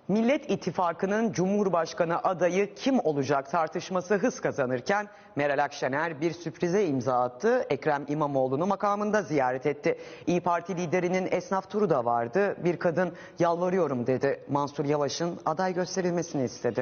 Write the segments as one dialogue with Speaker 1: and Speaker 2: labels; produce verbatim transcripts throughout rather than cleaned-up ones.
Speaker 1: Millet İttifakı'nın Cumhurbaşkanı adayı kim olacak tartışması hız kazanırken Meral Akşener bir sürprize imza attı. Ekrem İmamoğlu'nu makamında ziyaret etti. İYİ Parti liderinin esnaf turu da vardı. Bir kadın yalvarıyorum dedi. Mansur Yavaş'ın aday gösterilmesini istedi.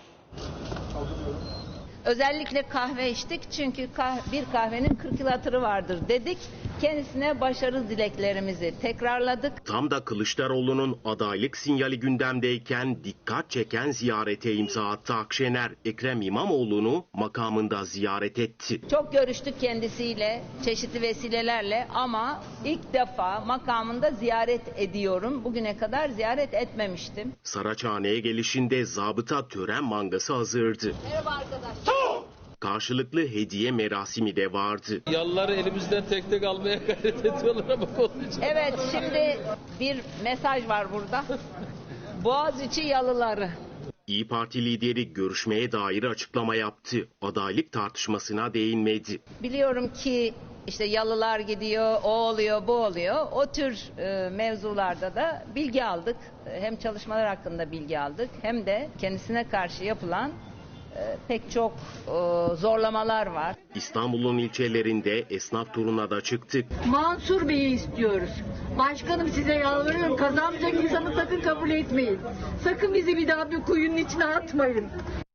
Speaker 2: Özellikle kahve içtik çünkü kah- bir kahvenin kırk yıl hatırı vardır dedik. Kendisine başarı dileklerimizi tekrarladık.
Speaker 3: Tam da Kılıçdaroğlu'nun adaylık sinyali gündemdeyken dikkat çeken ziyarete imza attı Akşener. Ekrem İmamoğlu'nu makamında ziyaret etti.
Speaker 2: Çok görüştük kendisiyle çeşitli vesilelerle ama ilk defa makamında ziyaret ediyorum. Bugüne kadar ziyaret etmemiştim.
Speaker 3: Saraçhane'ye gelişinde zabıta tören mangası hazırdı.
Speaker 2: Merhaba arkadaşlar.
Speaker 3: Karşılıklı hediye merasimi de vardı.
Speaker 4: Yalıları elimizden tek tek almaya gayret ediyorlar ama olmayacak.
Speaker 2: Evet, şimdi bir mesaj var burada. Boğaziçi yalıları.
Speaker 3: İYİ Parti lideri görüşmeye dair açıklama yaptı. Adaylık tartışmasına değinmedi.
Speaker 2: Biliyorum ki işte yalılar gidiyor, o oluyor, bu oluyor. O tür e, mevzularda da bilgi aldık. Hem çalışmalar hakkında bilgi aldık hem de kendisine karşı yapılan e, pek çok e, zorlamalar var.
Speaker 3: İstanbul'un ilçelerinde esnaf turuna da çıktık.
Speaker 5: Mansur Bey'i istiyoruz. Başkanım size yalvarıyorum, kazanmayacak insanı sakın kabul etmeyin. Sakın bizi bir daha bir kuyunun içine atmayın.